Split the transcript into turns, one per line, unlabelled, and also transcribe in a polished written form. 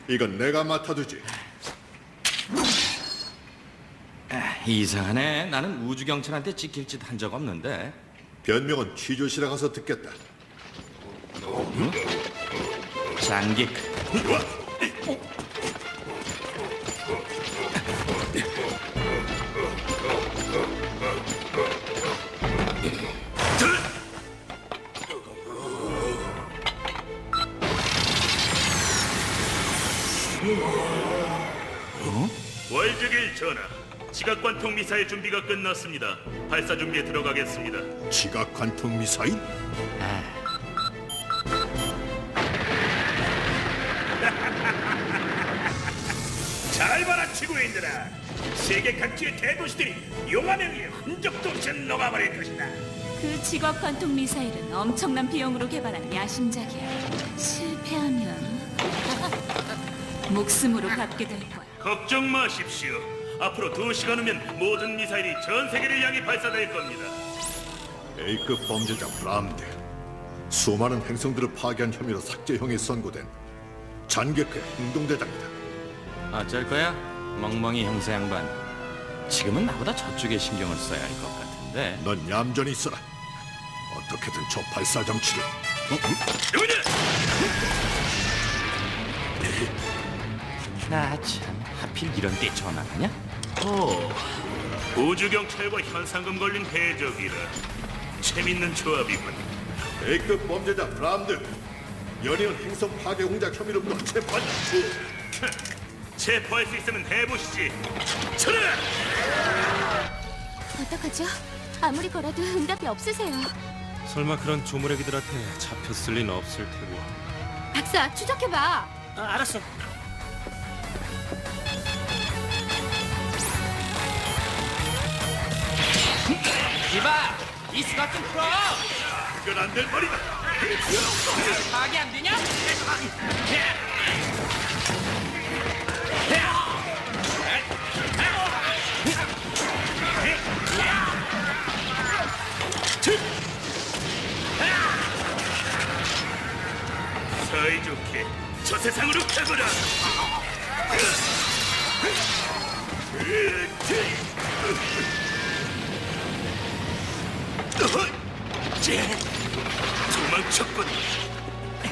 이건 내가 맡아두지.
이상하네. 나는 우주경찰한테 찍힐 짓 한 적 없는데.
변명은 취조실에 가서 듣겠다.
장기.
월드길 전하, 지각관통 미사일 준비가 끝났습니다. 발사 준비에 들어가겠습니다.
지각 관통 미사일?
잘 봐라, 지구인들아. 세계 각지의 대도시들이 용암에 의해 흔적도 없이 녹아버릴 것이다.
그 지각 관통 미사일은 엄청난 비용으로 개발한 야심작이야. 실패하면 목숨으로 갚게 될 거야.
걱정 마십시오. 앞으로 2시간 후면 모든 미사일이 전 세계를 향해 발사될 겁니다.
A급 범죄자 브람드. 수많은 행성들을 파괴한 혐의로 삭제형이 선고된 잔객회 행동대장이다.
어쩔 거야? 멍멍이 형사 양반. 지금은 나보다 저쪽에 신경을 써야 할 것 같은데.
넌 얌전히 있어라. 어떻게든 저 발사 장치를.
누구냐?
참, 하필 이런 때 전화하냐?
우주경찰과 현상금 걸린 해적이라. 재밌는 조합이군.
A급 범죄자 브람드. 연이은 행성 파괴 공작 혐의로부터 체포한다.
체포할 수 있으면 해보시지. 쳐라!
어떡하죠? 아무리 걸어도 응답이 없으세요.
설마 그런 조무래기들한테 잡혔을 리는 없을 테고.
박사, 추적해봐.
알았어.
이봐! 이 수갑 좀 풀어!
그건 안 될 말이다.
파악이 안 되냐?
사이좋게 저 세상으로 가거라.